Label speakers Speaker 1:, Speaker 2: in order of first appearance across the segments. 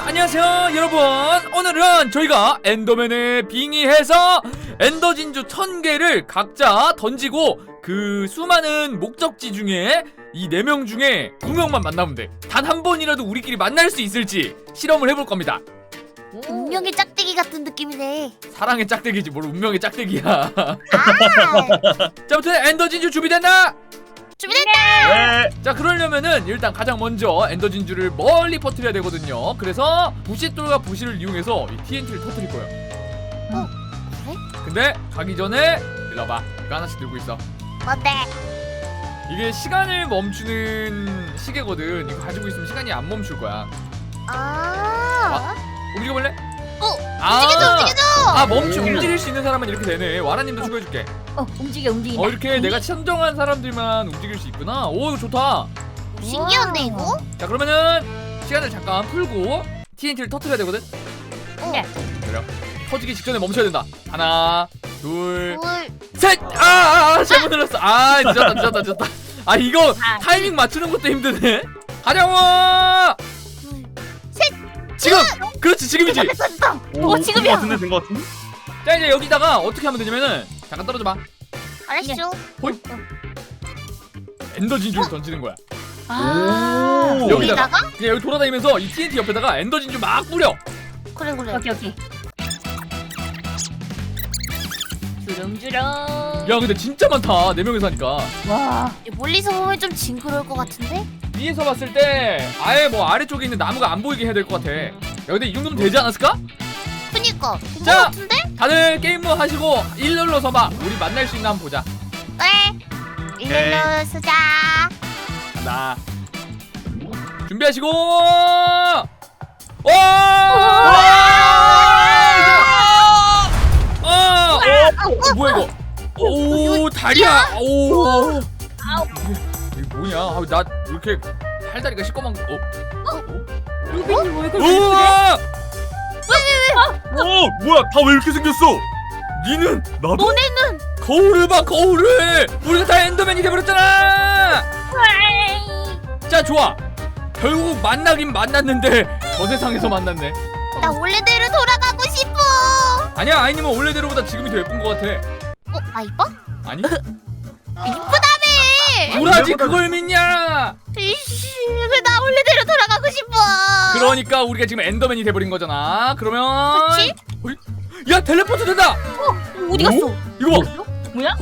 Speaker 1: 안녕하세요 여러분. 오늘은 저희가 엔더맨에 빙의해서 엔더 진주 1000개를 각자 던지고 그 수많은 목적지 중에 이 4명 중에 2명만 만나면 돼. 단 한 번이라도 우리끼리 만날 수 있을지 실험을 해볼 겁니다.
Speaker 2: 운명의 짝대기 같은 느낌이네.
Speaker 1: 사랑의 짝대기지 뭘 운명의 짝대기야. 자,
Speaker 2: 아,
Speaker 1: 아무튼 엔더 진주 준비됐나?
Speaker 2: 준비됐다.
Speaker 3: 네.
Speaker 1: 자, 그러려면은 일단 가장 먼저 엔더 진주를 멀리 퍼뜨려야 되거든요. 그래서 부싯돌과 부실을 이용해서 이 TNT를 터뜨릴 거예요.
Speaker 2: 그래?
Speaker 1: 근데 가기 전에 일로 와봐. 이거 하나씩 들고 있어.
Speaker 2: 뭔데?
Speaker 1: 이게 시간을 멈추는 시계거든. 이거 가지고 있으면 시간이 안 멈출 거야.
Speaker 2: 아,
Speaker 1: 움직여볼래?
Speaker 2: 움직여줘, 움직여줘.
Speaker 1: 아, 움직일 수 있는 사람은 이렇게 되네. 와라님도 추가해줄게.
Speaker 4: 움직인다.
Speaker 1: 이렇게 내가 선정한 사람들만 움직일 수 있구나. 오, 이거 좋다.
Speaker 2: 신기한데 이거?
Speaker 1: 자, 그러면은 시간을 잠깐 풀고 TNT를 터뜨려야 되거든.
Speaker 4: 네.
Speaker 1: 그래요. 터지기 직전에 멈춰야 된다. 하나, 둘,
Speaker 2: 뭘?
Speaker 1: 셋! 잘못 눌렀어. 늦었다. 아, 이거 타이밍 맞추는 것도 힘드네. 가자고! 지금! 그렇지, 지금이지.
Speaker 2: 됐다.
Speaker 4: 지금이야.
Speaker 3: 된 것 같은데?
Speaker 1: 자, 이제 여기다가 어떻게 하면 되냐면은 잠깐 떨어져봐.
Speaker 2: 알았어.
Speaker 1: 엔더 진주를 던지는 거야.
Speaker 4: 아.
Speaker 3: 오.
Speaker 1: 여기다가
Speaker 2: 여기다가?
Speaker 1: 그냥 여기 돌아다니면서 이 TNT 옆에다가 엔더 진주 막 뿌려.
Speaker 2: 그래.
Speaker 4: 오케이. 주렁주렁.
Speaker 1: 야, 근데 진짜 많다. 4명이서 하니까.
Speaker 4: 와.
Speaker 2: 멀리서 보면 좀 징그러울 것 같은데?
Speaker 1: 위에서 봤을 때 아예 뭐 아래쪽에 있는 나무가 안 보이게 해야 될 것 같아. 야, 근데 이 정도면 되지 않았을까?
Speaker 2: 그니까.
Speaker 1: 자.
Speaker 2: 자, 같은데?
Speaker 1: 다들 게임 모 하시고 일렬로 서봐. 우리 만날 수 있나 한번 보자.
Speaker 2: 그래. 일렬로 쓰자.
Speaker 1: 간다. 준비하시고. 오! 뭐야 이거? 오, 다리야. 오. 이게 뭐냐? 아, 나 이렇게 팔다리가 시꺼먼 거.
Speaker 4: 루빈님 왜 그래?
Speaker 1: 우와!
Speaker 3: 뭐야? 다 왜 이렇게 생겼어? 니는 나도?
Speaker 2: 너네는
Speaker 1: 거울을 봐, 거울을. 우리가 다 엔더맨이 돼버렸잖아. 자, 좋아. 결국 만나긴 만났는데 저 세상에서 만났네.
Speaker 2: 나 원래대로 돌아가고 싶어.
Speaker 1: 아니야, 아이님은 원래대로보다 지금이 더 예쁜 것 같아.
Speaker 2: 아 이뻐?
Speaker 1: 아니?
Speaker 2: 이쁘다며.
Speaker 1: 뭐라지 그걸 믿냐?
Speaker 2: 이씨, 나 원래대로 돌아가고 싶어.
Speaker 1: 그러니까 우리가 지금 엔더맨이 돼버린 거잖아. 그러면
Speaker 2: 그치?
Speaker 1: 어이? 야, 텔레포트 된다.
Speaker 2: 어디 갔어?
Speaker 1: 이거 봐.
Speaker 4: 뭐야?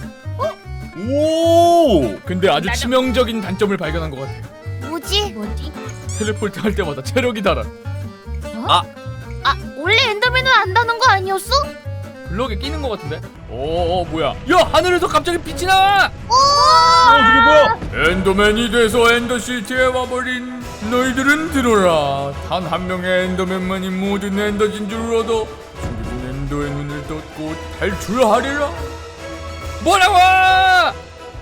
Speaker 3: 오.
Speaker 1: 근데 아주 치명적인 단점을 발견한 것 같아.
Speaker 2: 뭐지?
Speaker 1: 텔레포트 할 때마다 체력이 달아.
Speaker 2: 아, 원래 엔더맨은 안다는 거 아니었어?
Speaker 1: 블럭에 끼는 것 같은데? 오, 뭐야? 야, 하늘에서 갑자기 빛이 나와!
Speaker 3: 저게 뭐야?
Speaker 1: 엔더맨이 돼서 엔더시티에 와버린 너희들은 들어라. 단 한 명의 엔더맨만이 모든 엔더 진주를 얻어 죽은 엔더의 눈을 떴고 탈출하리라. 뭐라고!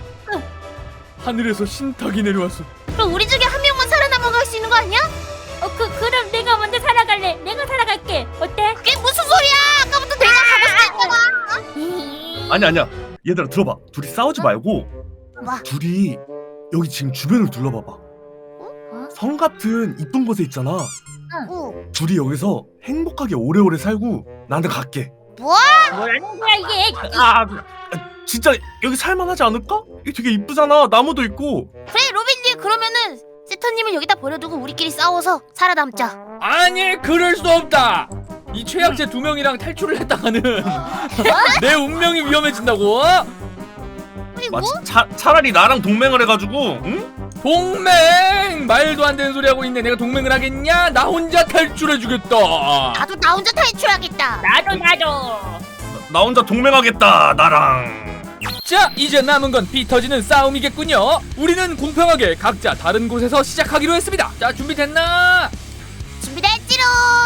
Speaker 1: 하늘에서 신탁이 내려왔어.
Speaker 2: 그럼 우리 중에 한 명만 살아남아갈 수 있는 거 아니야?
Speaker 4: 그럼 내가 먼저 살아갈래. 내가 살아갈게. 어때?
Speaker 2: 그게 무슨 소리야? 아까부터 내가 가고 싶다가.
Speaker 3: 아니야. 얘들아 들어봐. 둘이 싸우지 말고
Speaker 2: 와.
Speaker 3: 둘이 여기 지금 주변을 둘러봐봐. 성 같은 이쁜 곳에 있잖아.
Speaker 2: 어.
Speaker 3: 둘이 여기서 행복하게 오래오래 살고 나는 갈게.
Speaker 4: 뭐라는 거야 이게?
Speaker 3: 진짜 여기 살만하지 않을까? 이게 되게 이쁘잖아. 나무도 있고.
Speaker 2: 그래 로빈님, 그러면은 세터님을 여기다 버려두고 우리끼리 싸워서 살아남자.
Speaker 1: 아니, 그럴 수 없다. 이 최약체 2명이랑 탈출을 했다가는 내 운명이 위험해진다고?
Speaker 2: 그리고
Speaker 3: 차라리 나랑 동맹을 해가지고, 응?
Speaker 1: 동맹! 말도 안 되는 소리 하고 있네. 내가 동맹을 하겠냐? 나 혼자 탈출해주겠다.
Speaker 2: 나도 나 혼자 탈출하겠다.
Speaker 4: 나도.
Speaker 3: 나 혼자 동맹하겠다. 나랑.
Speaker 1: 자, 이제 남은 건 피 터지는 싸움이겠군요. 우리는 공평하게 각자 다른 곳에서 시작하기로 했습니다. 자, 준비됐나?
Speaker 2: 준비됐지롱.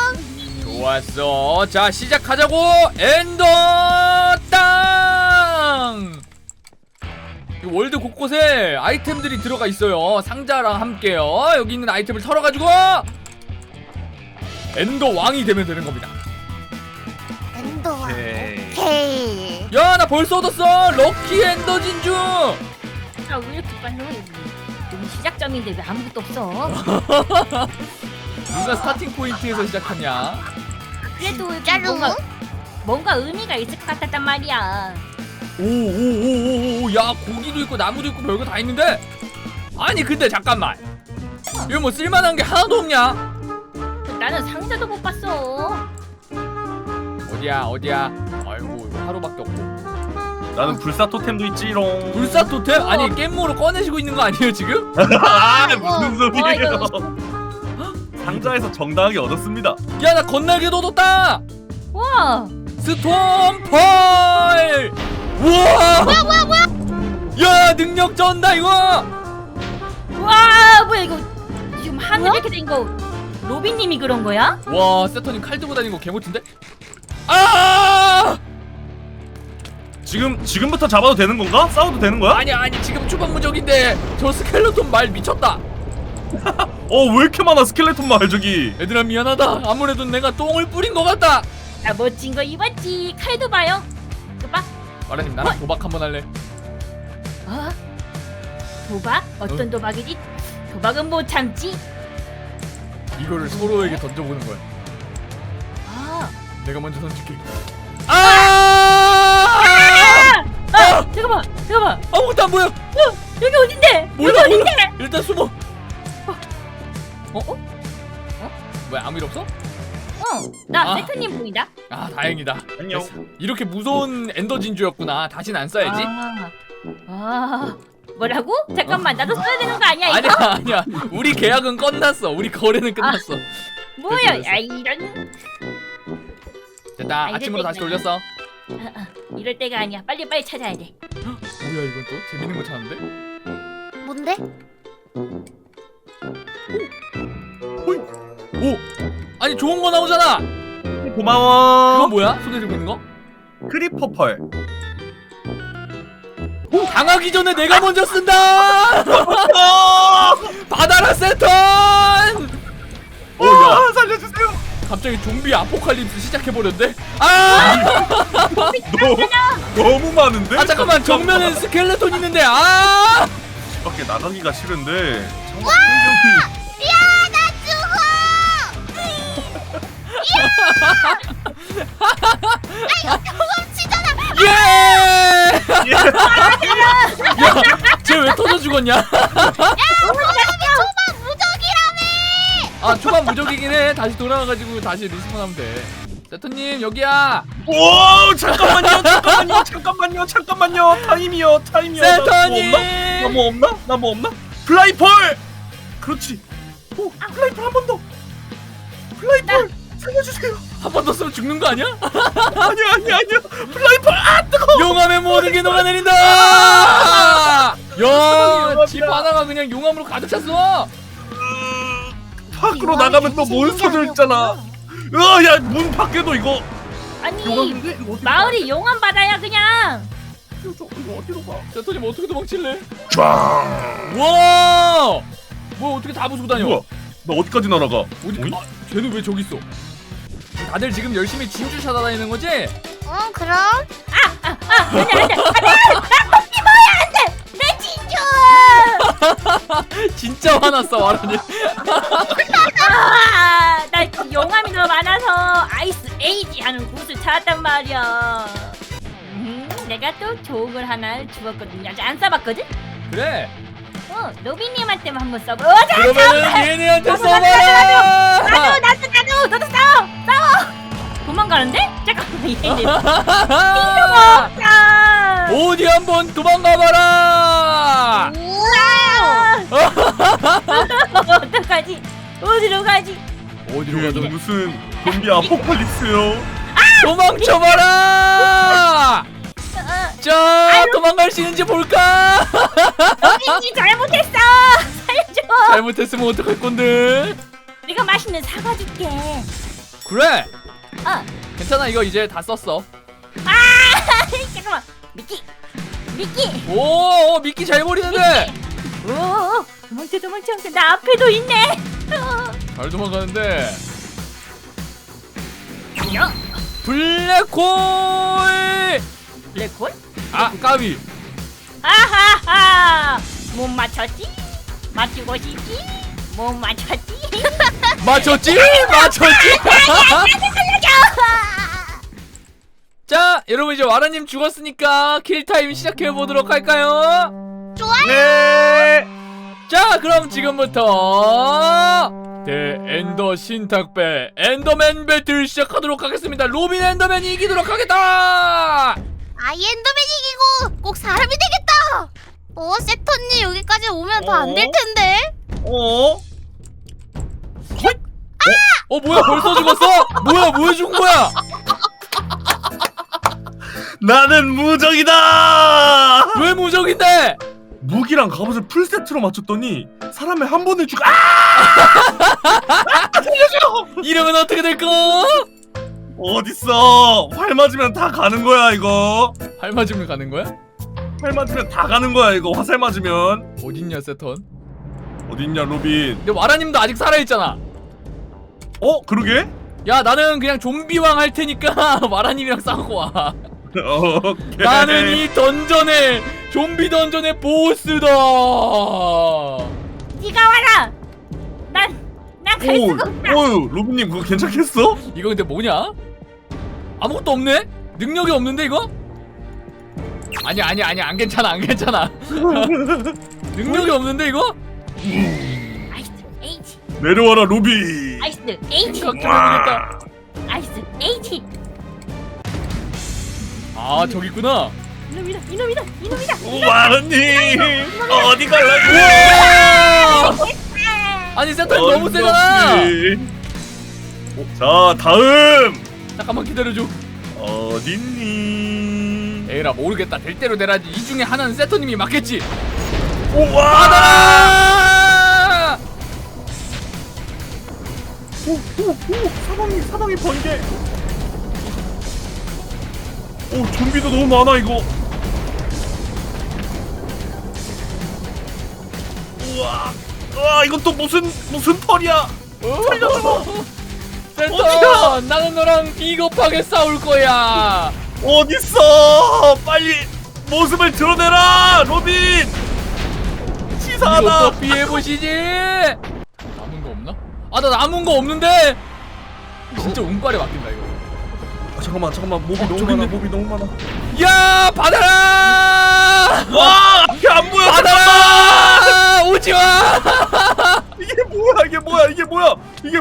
Speaker 1: 좋았어. 자, 시작하자고. 엔더 땅. 이 월드 곳곳에 아이템들이 들어가 있어요. 상자랑 함께요. 여기 있는 아이템을 털어가지고 엔더 왕이 되면 되는 겁니다.
Speaker 2: 엔더와.
Speaker 3: 오케이.
Speaker 2: 오케이.
Speaker 1: 야, 나 벌써 얻었어. 럭키 엔더 진주.
Speaker 4: 왜 이렇게 빨라? 여기 시작점인데 왜 아무것도 없어?
Speaker 1: 누가 스타팅 포인트에서 시작하냐?
Speaker 4: 그래도
Speaker 2: 짜루.
Speaker 4: 뭔가 의미가 있을 것 같았단 말이야.
Speaker 1: 오오오오오 야 고기도 있고 나무도 있고 별거 다 있는데 아니 근데 잠깐만 이거 뭐 쓸만한 게 하나도 없냐?
Speaker 4: 나는 상자도 못 봤어.
Speaker 1: 어디야 아이고 이거 하루밖에 없고
Speaker 3: 나는 불사 토템도 있지롱.
Speaker 1: 불사 토템? 아니 깻모로 꺼내시고 있는 거 아니에요 지금?
Speaker 3: 아 무슨 소리예요?
Speaker 4: 이거
Speaker 3: 상자에서 정당하게 얻었습니다.
Speaker 1: 야 나 건날개도 얻었다!
Speaker 4: 와.
Speaker 1: 스톰펄! 우와! 뭐야 야 능력 전다 이거!
Speaker 4: 와 뭐야 이거 지금 하늘 이렇게 된 거 로빈님이 그런 거야?
Speaker 1: 와 세터님 칼 들고 다니는 거 개못인데? 아!
Speaker 3: 지금부터 잡아도 되는 건가? 싸워도 되는 거야?
Speaker 1: 아니 지금 초반무적인데 저 스켈레톤 말 미쳤다.
Speaker 3: 왜 이렇게 많아 스켈레톤 마을 저기.
Speaker 1: 얘들아 미안하다. 아무래도 내가 똥을 뿌린 것 같다.
Speaker 4: 아 멋진 거 입었지. 칼도 봐요. 이거 봐.
Speaker 1: 마라님 나랑 도박 한번 할래?
Speaker 4: 어? 도박? 어떤 도박이지? 도박은 못 참지.
Speaker 1: 이거를 서로에게 던져보는 거야.
Speaker 4: 아.
Speaker 1: 내가 먼저 던질게. 아!
Speaker 4: 잠깐만.
Speaker 1: 아무것도 안 보여.
Speaker 4: 여기 어딘데?
Speaker 1: 몰라,
Speaker 4: 여기 어딘데?
Speaker 1: 일단 숨어. 왜 아무 일 없어?
Speaker 4: 나
Speaker 1: 아.
Speaker 4: 세트님 보인다.
Speaker 1: 아 다행이다.
Speaker 3: 안녕.
Speaker 1: 됐어. 이렇게 무서운 엔더 진주였구나. 다신 안 써야지.
Speaker 4: 아. 뭐라고? 잠깐만 나도 써야 되는 거 아니야 이거?
Speaker 1: 아니야. 우리 계약은 끝났어. 우리 거래는 끝났어.
Speaker 4: 뭐야?
Speaker 1: 됐어.
Speaker 4: 야 이런.
Speaker 1: 됐다.
Speaker 4: 이럴
Speaker 1: 아침으로 다시
Speaker 4: 때가
Speaker 1: 돌렸어.
Speaker 4: 이럴 때가 아니야. 빨리 찾아야 돼.
Speaker 1: 뭐야 이건 또 재밌는 거 찾았는데?
Speaker 2: 뭔데?
Speaker 1: 오! 아니 좋은 거 나오잖아.
Speaker 3: 고마워.
Speaker 1: 그건 뭐야? 손에 들고 있는 거?
Speaker 3: 크리퍼 펄.
Speaker 1: 당하기 전에 내가 먼저 쓴다. 받아라 세턴. 오야
Speaker 3: 살려주세요.
Speaker 1: 갑자기 좀비 아포칼립스 시작해버렸는데? 아!
Speaker 3: 너무 많은데?
Speaker 1: 아 잠깐만 정면엔 스켈레톤 있는데 아!
Speaker 3: 밖에 나가기가 싫은데.
Speaker 2: 와! 야, 나 죽어! 야! 아, 이거 도망치잖아!
Speaker 1: 예! 야쟤 왜 터져 죽었냐?
Speaker 2: 야, 사람이 초반 무적이라며!
Speaker 1: 아 초반 무적이긴 해. 다시 돌아가가지고 다시 리스폰하면 돼. 세턴님 여기야.
Speaker 3: 오 잠깐만요. 타임이요.
Speaker 1: 세턴님.
Speaker 3: 나 뭐 없나? 플라이펄. 그렇지. 플라이펄 한 번 더. 플라이펄 살려주세요.
Speaker 1: 한 번 더 쓰면 죽는 거 아니야?
Speaker 3: 아니야. 플라이펄 뜨거.
Speaker 1: 용암의 모든 게 녹아내린다. 야, 집 하나가 그냥 용암으로 가득 찼어.
Speaker 3: 밖으로 나가면 또 몬스터들 있잖아. 야 문 밖에도 이거
Speaker 4: 아니
Speaker 3: 용암인데 이거 어디
Speaker 4: 마을이 용암 바다야 그냥.
Speaker 3: 이거 어디로 가?
Speaker 1: 세턴님 어떻게 도망칠래?
Speaker 3: 쫙.
Speaker 1: 와, 뭐 어떻게 다 부수고 다녀?
Speaker 3: 뭐야? 나 어디까지 날아가?
Speaker 1: 어디?
Speaker 3: 어이?
Speaker 1: 아, 쟤는 왜 저기 있어? 다들 지금 열심히 진주 찾아다니는 거지?
Speaker 2: 그럼?
Speaker 4: 안돼. 내 진주.
Speaker 1: 진짜 화났어 와라니.
Speaker 4: 나 용암이 너무 많아서 아이스 에이지 하는 곳을 찾았단 말이야. 내가 또 좋은 걸 하나 주었거든요. 아직 안 써봤거든?
Speaker 1: 그래.
Speaker 4: 로빈님한테만 한번 써보.
Speaker 1: 그러면은 얘네한테
Speaker 4: 나도,
Speaker 1: 써봐라.
Speaker 4: 너도 싸워. 도망가는데? 잠깐만 얘네. 자.
Speaker 1: 어디 한번 도망가봐라.
Speaker 4: 어떡하지? 어디로 가지?
Speaker 1: 어디로
Speaker 3: 이게
Speaker 1: 가든
Speaker 3: 무슨 좀비 아포칼립스요?
Speaker 1: 도망쳐봐라. 자, 도망갈 수 있는지 볼까?
Speaker 4: 로빈이 잘못했어. 살려줘.
Speaker 1: 잘못했으면 어떡할 건데?
Speaker 4: 내가 맛있는 사과 줄게.
Speaker 1: 그래.
Speaker 4: 어.
Speaker 1: 괜찮아 이거 이제 다 썼어.
Speaker 4: 잠깐만. 미끼.
Speaker 1: 오, 미끼 잘 버리는데.
Speaker 4: 오, 도망쳐. 나 앞에도 있네.
Speaker 1: 잘 도망가는데.
Speaker 4: 야,
Speaker 1: 블랙홀.
Speaker 4: 블랙홀?
Speaker 1: 아, 까비.
Speaker 4: 아하하. 못 맞췄지? 맞추고 싶지? 뭐 맞췄지?
Speaker 1: 맞췄지? 맞췄지? 자, 여러분 이제 와라님 죽었으니까 킬타임 시작해보도록 할까요?
Speaker 3: 네.
Speaker 1: 자, 그럼 지금부터 엔더 신탁배 엔더맨 배틀 시작하도록 하겠습니다. 로빈 엔더맨이 이기도록 하겠다.
Speaker 2: 아이 엔더맨이 이기고 꼭 사람이 되겠다. 세턴님 여기까지 오면 더 안 될 텐데.
Speaker 1: 뭐야 벌써 죽었어? 뭐야 죽은 거야?
Speaker 3: 나는 무적이다.
Speaker 1: 왜 무적인데?
Speaker 3: 무기랑 갑옷을 풀 세트로 맞췄더니 사람을 한 번에 죽.
Speaker 1: 이러면 어떻게 될까?
Speaker 3: 어딨어? 활 맞으면 다 가는 거야 이거.
Speaker 1: 활 맞으면 가는 거야?
Speaker 3: 활 맞으면 다 가는 거야 이거. 화살 맞으면.
Speaker 1: 어딨냐 세턴?
Speaker 3: 어딨냐 로빈?
Speaker 1: 근데 와라님도 아직 살아있잖아.
Speaker 3: 그러게?
Speaker 1: 야 나는 그냥 좀비왕 할 테니까 와라님이랑 싸우고 와.
Speaker 3: 오케이.
Speaker 1: 나는 이 던전의 좀비 던전의 보스다.
Speaker 4: 네가 와라. 난 갈 수가 없다.
Speaker 3: 로빈님 그거 괜찮겠어?
Speaker 1: 이거 근데 뭐냐? 아무것도 없네? 능력이 없는데 이거? 아니야 안 괜찮아 능력이 없는데 이거?
Speaker 4: 아이스 H.
Speaker 3: 내려와라 로빈.
Speaker 4: 아이스 H.
Speaker 1: 각해보겠다.
Speaker 4: 아이스 H.
Speaker 1: 아 저기 있구나.
Speaker 4: 이놈이다.
Speaker 3: 와라님 어디 갈라고?
Speaker 1: 우와! 아니 세턴 너무 세잖아.
Speaker 3: 자 다음
Speaker 1: 잠깐만 기다려줘.
Speaker 3: 어딨니?
Speaker 1: 에라 모르겠다. 될 대로 되라지. 이 중에 하나는 세턴님이 맞겠지.
Speaker 3: 우와!
Speaker 1: 받아라!
Speaker 3: 사방이 번개. 좀비도 너무 많아 이거. 우와 이건 또 무슨 털이야?
Speaker 1: 세턴 나는 너랑 비겁하게 싸울 거야.
Speaker 3: 어딨어? 빨리 모습을 드러내라 로빈. 치사하다.
Speaker 1: 이것도 피해보시지. 남은 거 없나? 나 남은 거 없는데. 진짜 운빨에 맡긴다 이거.
Speaker 3: 잠깐만 몹이 너무
Speaker 1: 저기
Speaker 3: 많아.
Speaker 1: 있네.
Speaker 3: 몹이 너무 많아.
Speaker 1: 야 받아라.
Speaker 3: 와 앞이 안 보여.
Speaker 1: 받아라. 오지마.
Speaker 3: 이게 뭐야?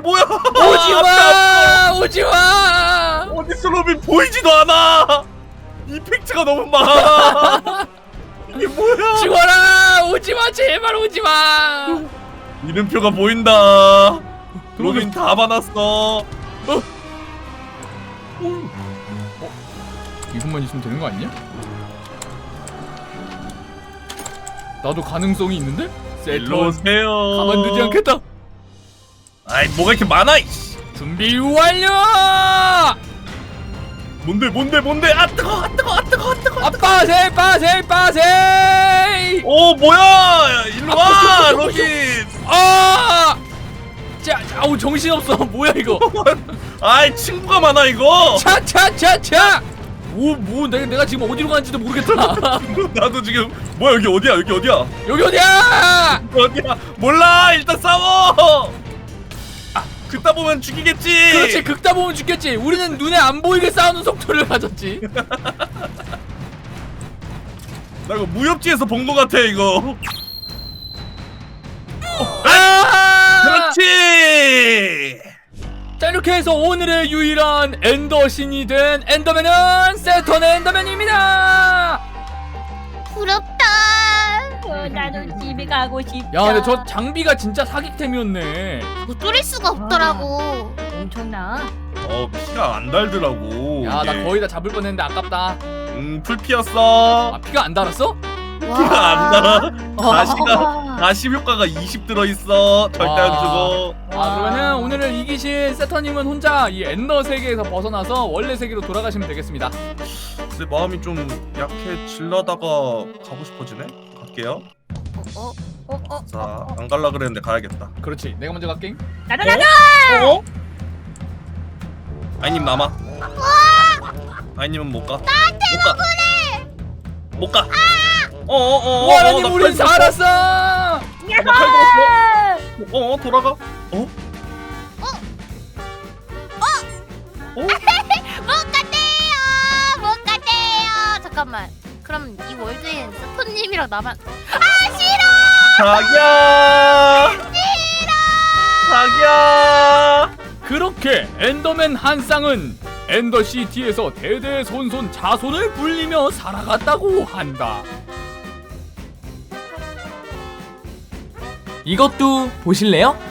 Speaker 1: 오지마.
Speaker 3: 어딨어 로빈? 보이지도 않아. 이펙트가 너무 많아. 이게 뭐야?
Speaker 1: 죽어라. 오지마 제발 오지마.
Speaker 3: 이름표가 보인다. 로빈 다 받았어.
Speaker 1: 이것만 있으면 되는 거 아니냐? 나도 가능성이 있는데?
Speaker 3: 일로
Speaker 1: 세턴
Speaker 3: 오세요.
Speaker 1: 가만두지 않겠다.
Speaker 3: 아이 뭐가 이렇게 많아? 이씨.
Speaker 1: 준비 완료.
Speaker 3: 뭔데? 아 뜨거.
Speaker 1: 빠세.
Speaker 3: 뭐야? 일로 와 로빈.
Speaker 1: 자, 아우 정신 없어. 뭐야 이거?
Speaker 3: 아이 친구가 많아 이거.
Speaker 1: 차차차차. 뭐 내가 지금 어디로 가는지도 모르겠다.
Speaker 3: 나도 지금 뭐야 여기 어디야?
Speaker 1: 여기 어디야?
Speaker 3: 어디야? 몰라. 일단 싸워. 그따 보면 죽이겠지.
Speaker 1: 그렇지. 극다 보면 죽겠지. 우리는 눈에 안 보이게 싸우는 속도를 가졌지.
Speaker 3: 나 이거 무협지에서 본 거 같아 이거. 그렇지.
Speaker 1: 자 이렇게 해서 오늘의 유일한 엔더신이 된 엔더맨은 세턴 엔더맨입니다.
Speaker 2: 부럽다.
Speaker 4: 나도 집에 가고 싶다.
Speaker 1: 야 근데 저 장비가 진짜 사기템이었네.
Speaker 2: 뭐 뚫릴 수가 없더라고.
Speaker 4: 엄청나.
Speaker 3: 피가 안 달더라고.
Speaker 1: 야 나
Speaker 3: 이게.
Speaker 1: 거의 다 잡을 뻔했는데 아깝다.
Speaker 3: 풀 피었어.
Speaker 1: 피가 안 달았어?
Speaker 3: 피가 안 달아.
Speaker 2: 와.
Speaker 3: 다시 효과가 20 들어있어. 절대 안 죽어.
Speaker 1: 그러면은 오늘을 이기신 세턴님은 혼자 이 엔더 세계에서 벗어나서 원래 세계로 돌아가시면 되겠습니다.
Speaker 3: 내 마음이 좀 약해질라다가 가고 싶어지네. 갈게요. 자, 안 갈라 그랬는데 가야겠다.
Speaker 1: 그렇지. 내가 먼저 갈게.
Speaker 4: 나도.
Speaker 3: 아이님 남아. 아이님은 못 가. 나한테 못 가.
Speaker 1: 와라님 우린 살았어.
Speaker 4: 야호!
Speaker 3: 돌아가.
Speaker 2: 못 간대요. 못 간대요. 잠깐만. 그럼 이 월드엔 스톤님이랑 나만. 아 싫어.
Speaker 3: 자기야. 자기야.
Speaker 1: 그렇게 엔더맨 한 쌍은 엔더시티에서 대대손손 자손을 불리며 살아갔다고 한다. 이것도 보실래요?